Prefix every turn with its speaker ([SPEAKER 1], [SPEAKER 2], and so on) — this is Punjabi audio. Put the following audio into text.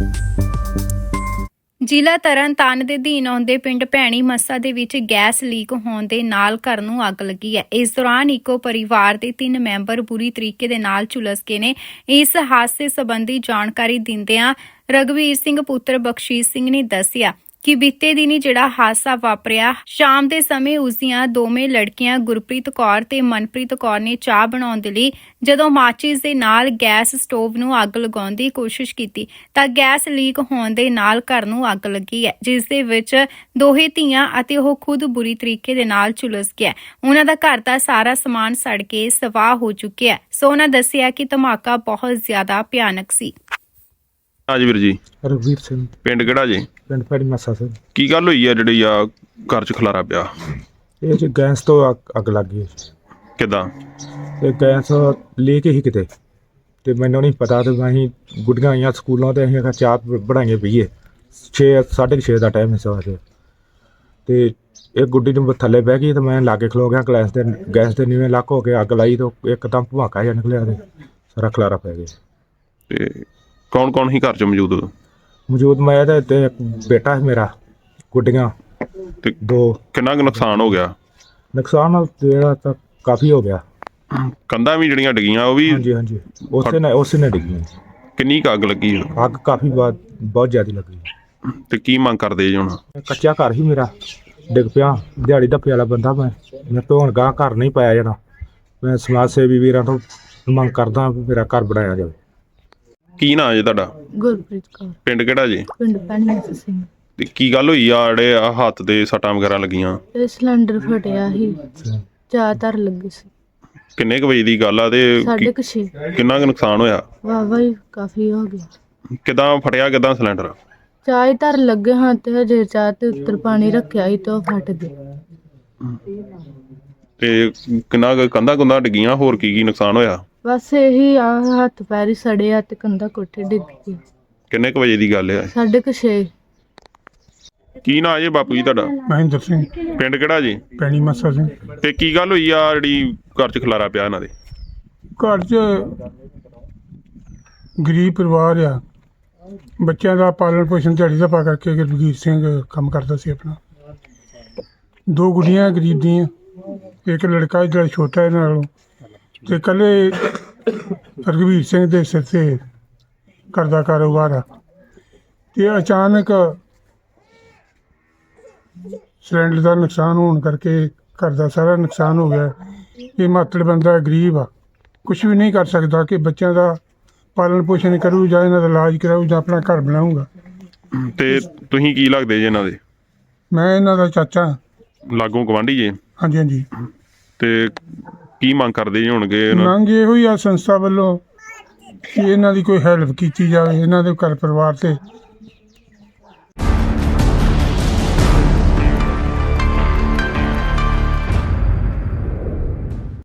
[SPEAKER 1] ਜ਼ਿਲ੍ਹਾ ਤਰਨਤਾਰਨ ਦੇ ਅਧੀਨ ਆਉਂਦੇ ਪਿੰਡ ਭੈਣੀ ਮੱਸਾ ਦੇ ਵਿੱਚ ਗੈਸ ਲੀਕ ਹੋਣ ਦੇ ਨਾਲ ਘਰ ਨੂੰ ਅੱਗ ਲੱਗੀ ਹੈ। ਇਸ ਦੌਰਾਨ ਇੱਕੋ ਪਰਿਵਾਰ ਦੇ 3 ਮੈਂਬਰ ਬੁਰੀ ਤਰੀਕੇ ਦੇ ਨਾਲ ਝੁਲਸ ਗਏ ਨੇ। ਇਸ ਹਾਦਸੇ ਸੰਬੰਧੀ ਜਾਣਕਾਰੀ ਦਿੰਦਿਆਂ ਰਘਵੀਰ ਸਿੰਘ ਪੁੱਤਰ ਬਖਸ਼ੀਸ਼ ਸਿੰਘ ਨੇ ਦੱਸਿਆ ਕਿ ਬੀਤੇ ਦਿਨੀ ਜਿਹੜਾ ਹਾਦਸਾ ਵਾਪਰਿਆ, ਸ਼ਾਮ ਦੇ ਸਮੇਂ ਉਸ ਦੀਆਂ ਦੋਵੇਂ ਲੜਕੀਆਂ ਗੁਰਪ੍ਰੀਤ ਕੌਰ ਤੇ ਮਨਪ੍ਰੀਤ ਕੌਰ ਨੇ ਚਾਹ ਬਣਾਉਣ ਦੇ ਲਈ ਜਦੋਂ ਮਾਚਿਸ ਦੇ ਨਾਲ ਗੈਸ ਸਟੋਵ ਨੂੰ ਅੱਗ ਲਗਾਉਣ ਦੀ ਕੋਸ਼ਿਸ਼ ਕੀਤੀ ਤਾਂ ਗੈਸ ਲੀਕ ਹੋਣ ਦੇ ਨਾਲ ਘਰ ਨੂੰ ਅੱਗ ਲੱਗੀ ਹੈ, ਜਿਸ ਦੇ ਵਿੱਚ ਦੋਹੇ ਧੀਆਂ ਅਤੇ ਉਹ ਖੁਦ ਬੁਰੀ ਤਰੀਕੇ ਦੇ ਨਾਲ ਝੁਲਸ ਗਿਆ। ਉਹਨਾਂ ਦਾ ਘਰ ਦਾ ਸਾਰਾ ਸਮਾਨ ਸੜ ਕੇ ਸਵਾਹ ਹੋ ਚੁੱਕਿਆ। ਸੋ ਉਹਨਾਂ ਦੱਸਿਆ ਕਿ ਧਮਾਕਾ ਬਹੁਤ ਜ਼ਿਆਦਾ ਭਿਆਨਕ ਸੀ।
[SPEAKER 2] ਹਾਂਜੀ ਵੀਰ ਜੀ।
[SPEAKER 3] ਰਘਵੀਰ ਸਿੰਘ,
[SPEAKER 2] ਪਿੰਡ ਕਿਹੜਾ ਜੀ?
[SPEAKER 3] ਪਿੰਡ ਭੈਣੀ ਮੱਸਾ ਸਿੰਘ।
[SPEAKER 2] ਕੀ ਗੱਲ ਹੋਈ ਆ ਜਿਹੜੀ ਆ ਘਰ 'ਚ ਖਲਾਰਾ ਪਿਆ?
[SPEAKER 3] ਇਹ 'ਚ ਗੈਸ ਤੋਂ ਅੱਗ ਲੱਗ ਗਈ।
[SPEAKER 2] ਕਿੱਦਾਂ?
[SPEAKER 3] ਤੇ ਗੈਸ ਲੀਕ ਹੀ ਕਿਤੇ, ਤੇ ਮੈਨੂੰ ਨਹੀਂ ਪਤਾ। ਤੇ ਅਸੀਂ ਗੁੱਡੀਆਂ ਆਈਆਂ ਸਕੂਲੋਂ ਤੇ ਅਸੀਂ ਚਾਹ ਬਣਾਈਏ ਪੀਏ। 6:30 ਦਾ ਟਾਈਮ ਸੀ ਸਵੇਰ। ਤੇ ਇੱਕ ਗੁੱਡੀ ਨੂੰ ਥੱਲੇ ਬਹਿ ਗਈ ਤੇ ਮੈਂ ਲਾਗੇ ਖਲੋ ਗਿਆ। ਗੈਸ ਦੇ ਨੀਵੇਂ ਲੱਕ ਹੋ ਕੇ ਅੱਗ ਲਾਈ ਤਾਂ ਇੱਕਦਮ ਭਵਾਕਾ ਜਿਹਾ ਨਿਕਲਿਆ ਤੇ ਸਾਰਾ ਖਲਾਰਾ ਪੈ ਗਿਆ।
[SPEAKER 2] ਤੇ ਕੌਣ ਕੌਣ ਹੀ ਘਰ 'ਚ
[SPEAKER 3] ਮੌਜੂਦ ਮੈਂ ਤੇ ਇੱਕ ਬੇਟਾ ਹੈ ਮੇਰਾ, ਗੁੱਡੀਆਂ
[SPEAKER 2] ਤੇ
[SPEAKER 3] 2।
[SPEAKER 2] ਕਿੰਨਾ ਕੁ ਨੁਕਸਾਨ ਹੋ ਗਿਆ?
[SPEAKER 3] ਨੁਕਸਾਨ ਜਿਹੜਾ ਤਾਂ ਕਾਫੀ ਹੋ ਗਿਆ।
[SPEAKER 2] ਕੰਧਾਂ ਵੀ ਜਿਹੜੀਆਂ ਡਿੱਗੀਆਂ ਉਹ ਵੀ?
[SPEAKER 3] ਹਾਂਜੀ, ਉਸੇ ਨੇ ਡਿੱਗੀ।
[SPEAKER 2] ਕਿੰਨੀ ਕੁ ਅੱਗ ਲੱਗੀ?
[SPEAKER 3] ਅੱਗ ਕਾਫੀ ਬਹੁਤ ਜ਼ਿਆਦਾ ਲੱਗੀ।
[SPEAKER 2] ਤੇ ਕੀ ਮੰਗ ਕਰਦੇ ਜੀ ਹੁਣ?
[SPEAKER 3] ਕੱਚਾ ਘਰ ਹੀ ਮੇਰਾ ਡਿੱਗ ਪਿਆ। ਦਿਹਾੜੀ ਧੱਪੇ ਵਾਲਾ ਬੰਦਾ ਮੈਂ ਤੋਂ ਹੁਣ ਗਾਂ ਘਰ ਨਹੀਂ ਪਾਇਆ ਜਾਣਾ। ਮੈਂ ਸਮਾਜ ਸੇਵੀ ਵੀਰਾਂ ਤੋਂ ਮੰਗ ਕਰਦਾ ਮੇਰਾ ਘਰ ਬਣਾਇਆ ਜਾਵੇ।
[SPEAKER 2] ਕੀ ਨਾਂ ਜੀ ਤੁਹਾਡਾ?
[SPEAKER 4] ਗੁਰਪ੍ਰੀਤ ਕੌਰ।
[SPEAKER 2] ਪਿੰਡ ਕਿਹੜਾ ਜੀ?
[SPEAKER 4] ਪਿੰਡ ਭੈਣੀ ਮੱਸਾ ਸਿੰਘ।
[SPEAKER 2] ਤੇ ਕੀ ਗੱਲ ਹੋਈ ਆ ਜਿਹੜੇ ਆ ਹੱਥ ਦੇ ਸੱਟਾਂ ਵਗੈਰਾ ਲੱਗੀਆਂ?
[SPEAKER 4] ਇਹ ਸਿਲੰਡਰ ਫਟਿਆ ਸੀ, ਚਾਹ ਧਰ ਲੱਗੀ ਸੀ।
[SPEAKER 2] ਕਿੰਨੇ ਕੁ ਵਜੇ ਦੀ ਗੱਲ ਆ? ਤੇ
[SPEAKER 4] 6:30
[SPEAKER 2] ਕਿੰਨਾ ਕੁ ਨੁਕਸਾਨ ਹੋਇਆ?
[SPEAKER 4] ਵਾਹਵਾ ਹੀ ਕਾਫੀ ਹੋ ਗਿਆ।
[SPEAKER 2] ਕਿੱਦਾਂ ਫਟਿਆ? ਕਿੱਦਾਂ ਸਿਲੰਡਰ?
[SPEAKER 4] ਚਾਹ ਹੀ ਧਰ ਲੱਗੇ ਹਾਂ ਤੇ ਹਜੇ ਚਾਹ ਤੇ ਉੱਤਰ ਪਾਣੀ ਰੱਖਿਆ ਸੀ ਤੇ ਉਹ ਫਟ ਗਿਆ।
[SPEAKER 2] ਤੇ ਕਿੰਨਾ ਕੁ ਕੰਧਾਂ ਕੁੰਧਾਂ ਡਿੱਗੀਆਂ? ਹੋਰ ਕੀ ਨੁਕਸਾਨ ਹੋਇਆ?
[SPEAKER 4] ਬਸ ਇਹੀ ਆ, ਹੱਥ ਪੈਰ ਹੀ ਸੜੇ ਆ ਤੇ ਕੰਧਾ ਕੋਠੇ ਡਿੱਗ ਗਈ।
[SPEAKER 2] ਕਿੰਨੇ ਕੁ ਵਜੇ ਦੀ ਗੱਲ ਆ?
[SPEAKER 4] 6:30।
[SPEAKER 2] ਕੀ ਨਾਂ ਜੀ ਬਾਪੂ ਜੀ ਤੁਹਾਡਾ?
[SPEAKER 3] ਮਹਿੰਦਰ ਸਿੰਘ,
[SPEAKER 2] ਪਿੰਡ ਕਿਹੜਾ ਜੀ?
[SPEAKER 3] ਭੈਣੀ ਮੱਸਾ ਸਿੰਘ।
[SPEAKER 2] ਤੇ ਕੀ ਗੱਲ ਹੋਈ ਆ ਜਿਹੜੀ ਘਰ 'ਚ ਖਲਾਰਾ ਪਿਆ ਇਹਨਾਂ ਦੇ?
[SPEAKER 5] ਘਰ 'ਚ ਗਰੀਬ ਪਰਿਵਾਰ ਆ। ਬੱਚਿਆਂ ਦਾ ਪਾਲਣ ਪੋਸ਼ਣ ਦਿਹਾੜੀ ਦਾ ਪਾ ਕਰਕੇ ਰਘਵੀਰ ਸਿੰਘ ਕੰਮ ਕਰਦਾ ਸੀ ਆਪਣਾ। 2 ਗੁੱਡੀਆਂ ਗਰੀਬ ਦੀਆਂ, ਇੱਕ ਲੜਕਾ ਜਿਹੜਾ ਛੋਟਾ ਇਹਨਾਂ ਨਾਲੋਂ, ਤੇ ਇਕੱਲੇ ਰਘਵੀਰ ਸਿੰਘ ਦੇ ਸਿਰ 'ਤੇ ਘਰ ਦਾ ਕਾਰੋਬਾਰ ਆ। ਤੇ ਅਚਾਨਕ ਸਿਲੰਡਰ ਦਾ ਨੁਕਸਾਨ ਹੋਣ ਕਰਕੇ ਘਰ ਦਾ ਸਾਰਾ ਨੁਕਸਾਨ ਹੋ ਗਿਆ। ਇਹ ਮਾਤੜ ਬੰਦਾ ਗਰੀਬ ਆ, ਕੁਛ ਵੀ ਨਹੀਂ ਕਰ ਸਕਦਾ ਕਿ ਬੱਚਿਆਂ ਦਾ ਪਾਲਣ ਪੋਸ਼ਣ ਕਰੂ ਜਾਂ ਇਹਨਾਂ ਦਾ ਇਲਾਜ ਕਰਾਊ ਜਾਂ ਆਪਣਾ ਘਰ ਬਣਾਊਗਾ।
[SPEAKER 2] ਤੇ ਤੁਸੀਂ ਕੀ ਲੱਗਦੇ ਜੀ ਇਹਨਾਂ ਦੇ?
[SPEAKER 5] ਮੈਂ ਇਹਨਾਂ ਦਾ ਚਾਚਾ।
[SPEAKER 2] ਲਾਗੋਂ ਗਵਾਂਢੀ ਜੀ?
[SPEAKER 5] ਹਾਂਜੀ।
[SPEAKER 2] ਤੇ ਕੀ ਮੰਗ ਕਰਦੇ ਜੀ ਹੋਣਗੇ?
[SPEAKER 5] ਮੰਗ ਇਹੋ ਹੀ ਆ ਸੰਸਥਾ ਵੱਲੋਂ ਕਿ ਇਹਨਾਂ ਦੀ ਕੋਈ ਹੈਲਪ ਕੀਤੀ ਜਾਵੇ, ਇਹਨਾਂ ਦੇ ਘਰ ਪਰਿਵਾਰ 'ਤੇ